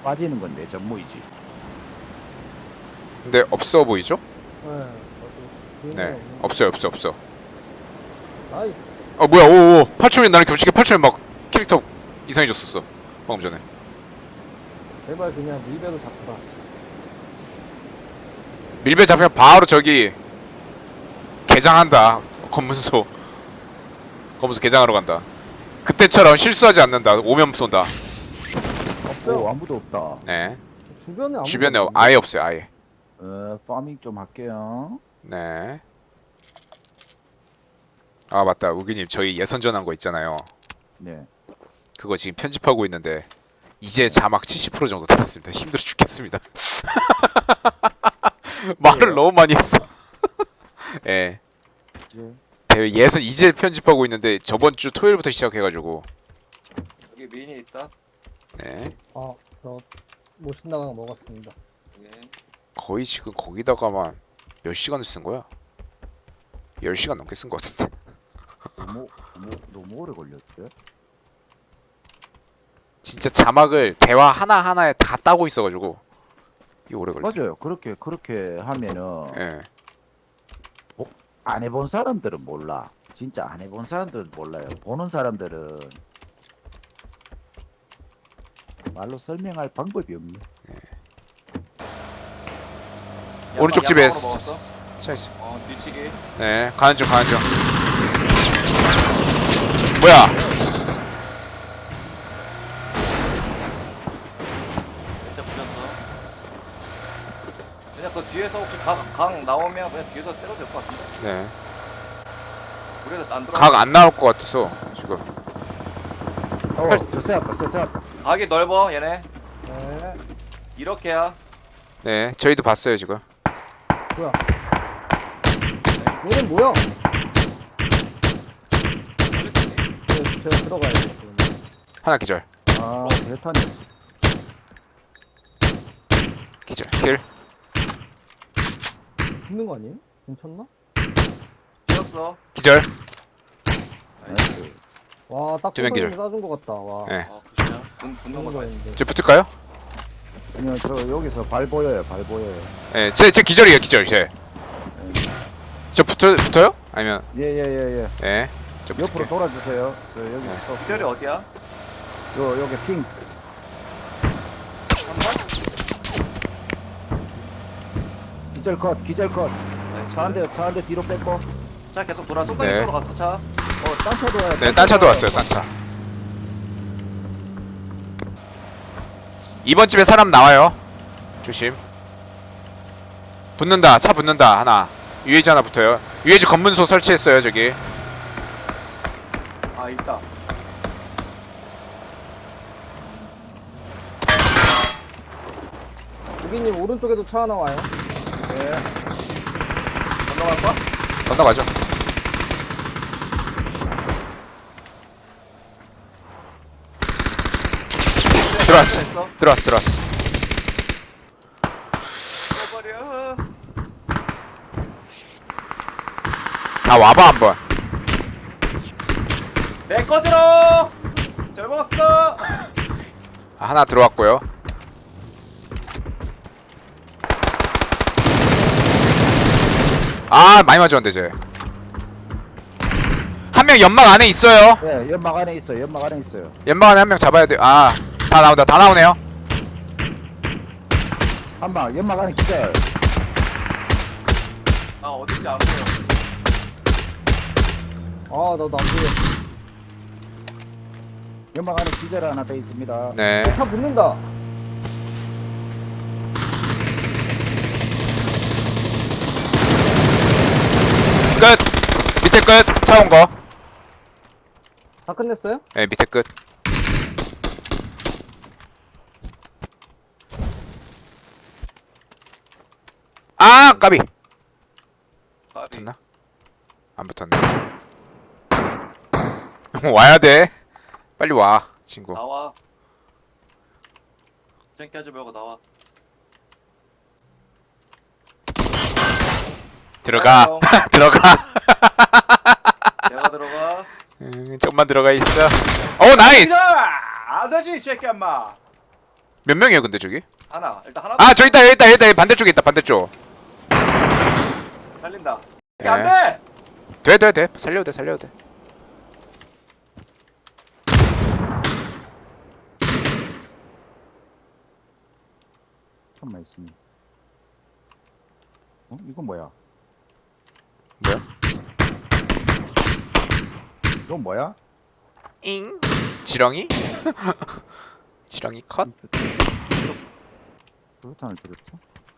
빠지는 건데 전무이지. 근데 없어 보이죠? 네. 네, 없어. 나이스. 뭐야, 오오. 8초면 나랑 겹치게 8초면 막 캐릭터 이상해졌었어. 방금 전에. 제발 그냥 밀배로 잡다. 밀배 잡히면 바로 저기 개장한다. 검문소 개장하러 간다. 그때처럼 실수하지 않는다. 오면 쏜다. 없어요. 오 아무도 없다. 네. 주변에 아무도 주변에 없는데. 아예 없어요. 아예. 파밍 좀 할게요. 네. 아 맞다. 우기님 저희 예선전한 거 있잖아요. 네. 그거 지금 편집하고 있는데 이제 자막 70% 정도 달았습니다. 힘들어 죽겠습니다. 말을 너무 많이 했어. 예. 이제 대회 예선 이제 편집하고 있는데 저번 주 토요일부터 시작해가지고. 여기 미니 있다. 네. 못 신나가 먹었습니다. 예. 거의 지금 거기다가만 몇 시간을 쓴 거야? 10시간 넘게 쓴 거 같은데. 너무 오래 걸렸어요. 진짜 자막을 대화 하나하나에 다 따고 있어가지고 이게 오래 걸려. 맞아요. 그렇게 하면은 예. 안 해본 사람들은 몰라. 진짜 안 해본 사람들은 몰라요. 보는 사람들은 말로 설명할 방법이 없네. 오른쪽 집에 양방으로 먹었어? 차 있어. 뒤치기. 네, 가는 중. 뭐야? 진짜 부셨어. 그냥 그 뒤에서 혹시 강 나오면 그냥 뒤에서 때려도 될 것 같은데. 네. 우리가 안 들어. 각 안 나올 것 같아서 지금. 저 세웠다. 각이 넓어 얘네. 네. 이렇게야. 네, 저희도 봤어요 지금. 뭐야? 얘는 뭐야? 제가 들어가야 돼. 하나 기절. 대탄이었어. 기절. 킬. 죽는 거 아니에요? 괜찮나? 뛰었어. 기절. 나이스. 와, 딱 두명 기절. 소선이 싸준 것 같다. 와. 네. 굿이야. 붙는 죽는 거 봐. 거였는데. 저 붙을까요? 아니요, 저 여기서 발 보여요. 네, 제 기절이에요. 기절. 저 붙어요? 아니면 예. 네. 저 옆으로 붙을게. 돌아주세요. 저 여기 네. 스톱. 기절이 어디야? 여기 핑. 기절 컷. 차 한 대 뒤로 뺐고. 차 계속 돌아. 손가락 네. 쪽으로 갔어 차. 딴 차도 와요. 네, 딴 차도 왔어요. 딴 차. 이번 집에 사람 나와요. 조심. 붙는다. 차 붙는다. 하나. UAG 하나 붙어요. UAG 검문소 설치했어요. 저기. 아 있다. 우기님 오른쪽에도 차 하나 와요. 네. 건너갈 거야? 건너가죠. 들어왔어. 버려. 다 와봐 한번. 내거 들어. 잘 먹었어. 하나 들어왔고요. 많이 맞았는데 쟤. 한 명 연막 안에 있어요. 네, 연막 안에 있어요. 연막 안에 한 명 잡아야 돼. 다 나온다. 다 나오네요. 한 방, 연막 안에 기절. 아 어딘지 안 보여. 나도 안 보여. 연막 안에 기절 하나 더 있습니다. 네. 차 붙는다. 끝. 밑에 끝. 차 온 거. 다 끝냈어요? 네, 밑에 끝. 까비. 가비. 붙었나? 안 붙었네. 와야 돼. 빨리 와, 친구. 나와. 쟁기하지 말고 나와. 들어가. 형, 들어가. 내가 들어가. 좀만 들어가 있어. 오, 나이스. 안 되지 이 새끼 엄마. 몇 명이에요 근데 저기? 하나. 일단 하나. 아 저기 있다 여기 있다 여기 있다 반대쪽에 있다 반대쪽. 달린다. 네. 안 돼. 돼 살려도 돼 살려도 돼. 천만 있으니. 어? 이건 뭐야? 뭐야? 이건 뭐야? 잉 지렁이? 지렁이 컷? 그렇다는 들었어?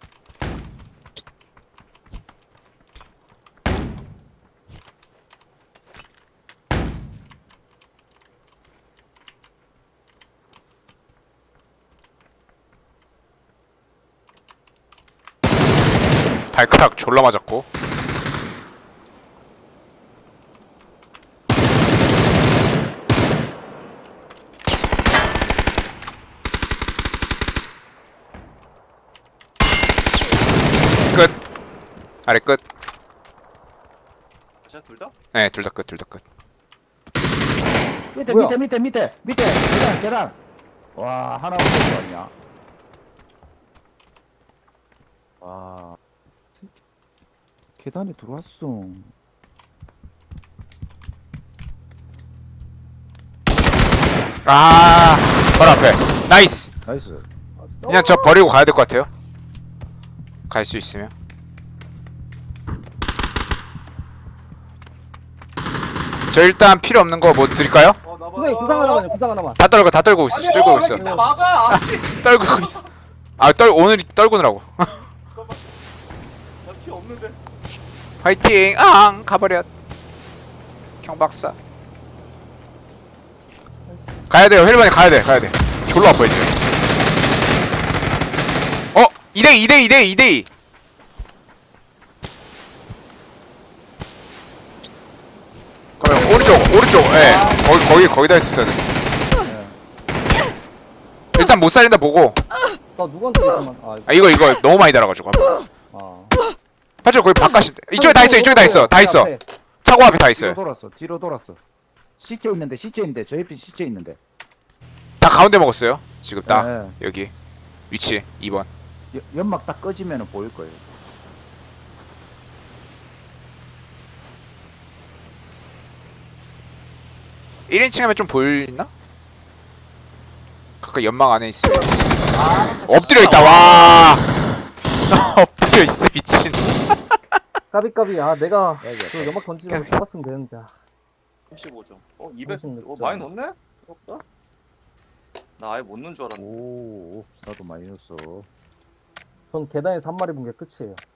발가락 졸라 맞았고. 끝. 아래 끝. 자, 둘 다? 네, 둘 다 끝, 둘 다 끝. 밑에 뭐야? 밑에 계단. 와 하나 없는 거 아니야? 와 계단에 들어왔어. 아, 바로 앞에. 나이스. 나이스. 그냥 저 버리고 가야 될 것 같아요. 갈 수 있으면. 저 일단 필요 없는 거 뭐 드릴까요? 나 봐. 선생님 구상 하나만요. 구상 하나만. 다 떨고 있어. 떨고 있어. 나 막아. 떨고 있어. 아, 오늘 떨구느라고. 나피 없는데. 화이팅! 앙! 가버려. 경박사. 가야 돼요. 헬반에 가야 돼. 졸라 아파요, 지금. 2대2. 그러면 오른쪽. 예. 거기다 했었어야 돼. 일단 못 살린다 보고. 나 누구한테 잠깐만. 아, 이거 너무 많이 달아가지고. 아. 팔죠, 거기 바깥인데. 이쪽에 다 있어. 다 있어. 앞에. 차고 앞에 다 뒤로 있어요. 돌았어. 시체 있는데 저 옆에 시체 있는데. 다 가운데 먹었어요. 지금 딱 네. 여기 위치 2번. 연막 딱 꺼지면은 보일 거예요. 일 1인칭 하면 좀 보이나? 가까 연막 안에 있어요. 엎드려 있다. 와. 엎드려 있어 미친. 까비까비. 아 내가 여기 그 연막 던지면 까비. 잡았으면 되는데. 35점. 200. 36점. 많이 넣었네? 없다. 나 아예 못 넣은 줄 알았네. 오 나도 많이 넣었어. 전 계단에서 한 마리 본 게 끝이에요.